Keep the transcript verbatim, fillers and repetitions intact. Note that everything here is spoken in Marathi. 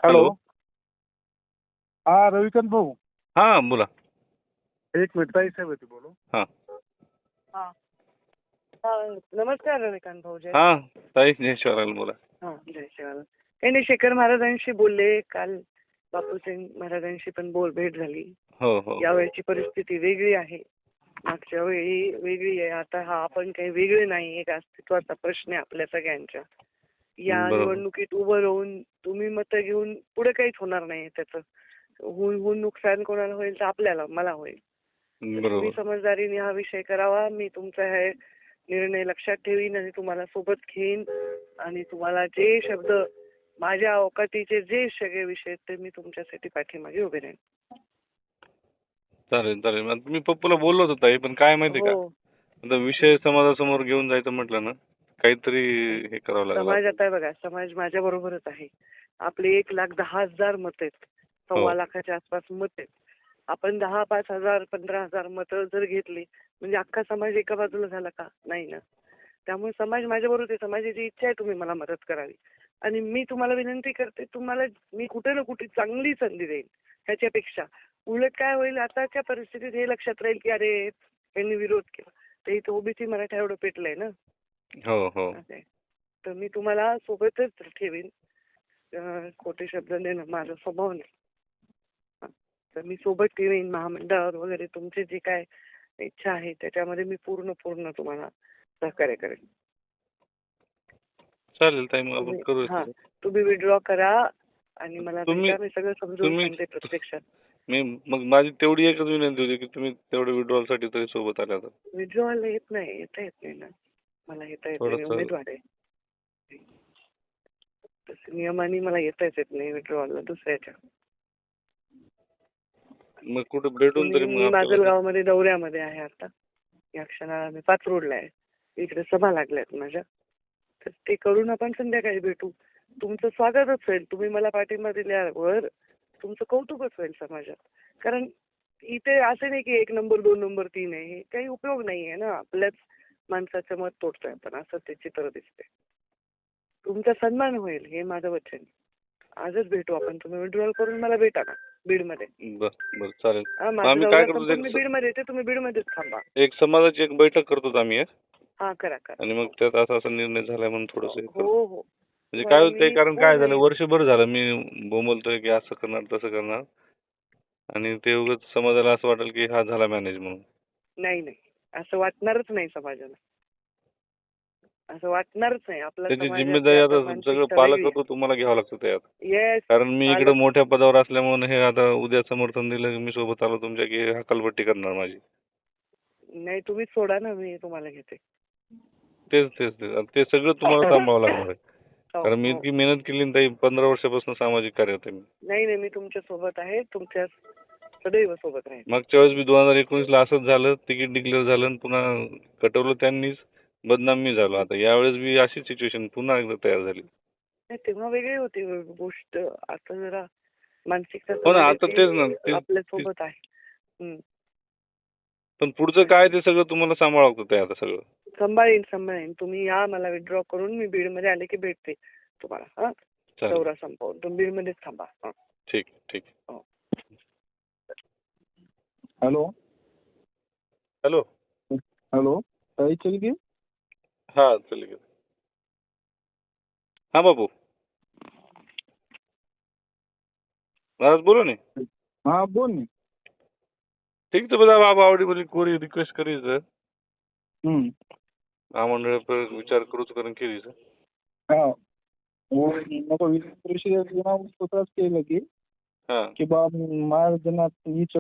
हॅलो. हॅलो. हा रविकांत भाऊ, हा बोला. एक मिनिट ताई साहेब होती बोलू. हा हा. हा, नमस्कार रविकांत भाऊ. जय हा ताई जय शिवराल बोला. हा जय शिवाला. काही नाही, शेखर महाराजांशी बोलले काल. बापूसिंग महाराजांशी पण बोल भेट झाली. हो हो यावेळची परिस्थिती वेगळी आहे, मागच्या वेळी वेगळी आहे. आता हा आपण काही वेगळे नाही, एक अस्तित्वाचा प्रश्न आहे आपल्या सगळ्यांच्या. या बरोबर. निवडणुकीत उभं राहून तुम्ही मतं घेऊन पुढे काहीच होणार नाही. त्याचं होऊन होऊन नुकसान कोणाला होईल तर आपल्याला, मला होईल. तुम्ही बरोबर. समजदारीने हा विषय करावा. मी तुमचा हे निर्णय लक्षात ठेवीन आणि तुम्हाला सोबत घेईन आणि तुम्हाला जे शब्द माझ्या अवकाटीचे जे सगळे विषय आहेत ते मी तुमच्यासाठी पाठीमागे उभे राहीन. चालेल चालेल. आता मी पप्पूला बोललो होतो ताई, पण काय माहिती का, हो, आता विषय समाजासमोर घेऊन जायचं म्हटलं ना, काहीतरी हे करावं लागेल. समाज आता बघा, समाज माझ्या बरोबरच आहे. आपले एक लाख दहा हजार मत आहेत, हो. सव्वा लाखाच्या आसपास मत आहेत. आपण दहा पाच हजार पंधरा हजार मतं जर घेतली म्हणजे अख्खा समाज एका बाजूला झाला का? नाही ना. त्यामुळे समाज माझ्या बरोबर आहे. समाजाची इच्छा आहे तुम्ही मला मदत करावी आणि मी तुम्हाला विनंती करते, तुम्हाला मी कुठे ना कुठे चांगली संधी देईन. ह्याच्यापेक्षा उलट काय होईल, आताच्या परिस्थितीत हे लक्षात राहील की अरे यांनी विरोध केला तर इथं ओबीसी मराठा एवढं पेटलंय ना. हो हो असं आहे. तर मी तुम्हाला सोबतच ठेवीन. अं, खोटे शब्द देणं माझा स्वभाव नाही. हं. तर मी सोबत ठेवीन. महामंडळावर वगैरे तुमची जी काय इच्छा आहे त्याच्यामध्ये मी पूर्ण पूर्ण तुम्हाला सहकार्य करेन. चालेल ताई, मग आपण तुम्ही करू. हा तुम्ही विड्रॉ करा आणि मला तुम्ही- भेटा. मी सगळं समजून तुम्ही- सांगते प्रत्यक्षात. मी मग माझी तेवढी एकच विनंती होती की तुम्ही तेवढं विड्रॉल साठी तरी सोबत आल्या तर. विड्रॉला येत नाही, येता येत नाही ना. मला येता येत नाही, मी थोडंसं- उमेदवार आहे. तसं नियमाने मला येताच येत नाही विड्रॉला दुसऱ्याच्या. मग कुठे भेटून तरी मी मग आपल्याला- माजलगावमध्ये दौऱ्यामध्ये आहे आता. या क्षणाला मी पाच रोडला आहे. इकडे सभा लागल्यात माझ्या. तर ते करून आपण संध्याकाळी भेटू. तुमचं स्वागतच होईल. तुम्ही मला पाठिंबा दिल्यावर तुमचं कौतुकच होईल समाजात. कारण इथे असं नाही की एक नंबर दोन नंबर तीन आहे. हे काही उपयोग नाहीये ना. आपल्याच माणसाचं मत तोडतोय आपण, असं ते चित्र दिसते. तुमचा सन्मान होईल हे माझं वचन. आजच भेटू आपण. तुम्ही विड्रॉल करून मला भेटा ना बीडमध्ये. बरं बरं चालेल. हा, मग माझा आम्ही दौरा काय करतो, संपून मी एक- बीडमध्ये येते. तुम्ही बीडमध्येच थांबा. एक समाजाची एक बैठक करतो आम्ही एक. हा करा करा. आणि मग त्यात असा असा निर्णय झालाय म्हणून थोडस हो हो. म्हणजे काय होतंय, मी कारण काय झालं, पूर्ण- वर्षभर झालं मी बोंबलतोय की असं करणार तसं करणार, आणि ते उगाच समाजाला असं वाटेल की हा झाला मॅनेज म्हणून. नाही नाही, असं वाटणारच नाही समाजाला. असं वाटणारच नाही. आपला त्याची समाजाची जिम्मेदारी आता आता मानसिकता सगळं वेगळी पालकत्व तुम्हाला घ्यावं लागतं त्यात. आहे. येस. कारण मी इकडे पालक- मोठ्या पदावर असल्यामुळे हे आता उद्या समर्थन दिलं की मी सोबत आलो तुमच्या की हकालपट्टी करणार माझी. नाही, तुम्हीच सोडा ना, मी तुम्हाला घेते. तेच तेच तेच आता ते सगळं तुम्हाला सांभाळावं लागणार आहे. हो, कारण मी हो. इतकी मेहनत केली ना ताई, पंधरा वर्षापासून सामाजिक कार्य होते मी. नाही नाही, मी तुमच्या सोबत आहे. तुमच्या सदैव सोबत राहील. मागच्या वेळेस मी दोन हजार एकोणीस ला असंच झालं, तिकीट डिक्लेअर झालं आणि पुन्हा कटवलं त्यांनीच, बदनाम मी झालो. आता यावेळेस बी अशी सिच्युएशन पुन्हा एकदा तयार झाली. नाही, तेव्हा वेगळी होती गोष्ट. आता जरा मानसिकता हो ना, आता समाजाची तेच ना, ते- आपल्या सोबत आहे. हम्म. पण पुढचं काय ते सगळं तुम्हाला सांभाळावं लागतं ते आता सगळं. सांभाळीन सांभाळीन. तुम्ही या, मला विड्रॉ करून मी बीडमध्ये आले की भेटते तुम्हाला. हा, चालेल. दौरा संपवून तुम्ही बीडमध्येच थांबा. हा. ठीक ठीक. हॅलो. हॅलो. हॅलो ताई चल की. हा चल. हा बाबू महाराज बोलो ने. हा बोल ना. ठीक तो બધા બાપ આવડી બધી કોરી રિક્વેસ્ટ કરી છે. हम्म. આ મંડળ પર વિચાર કરું તો કરીને કેવી છે. हा. वो नको विधान परिषदेत स्वतःच केलं की हा की बा महाराजांना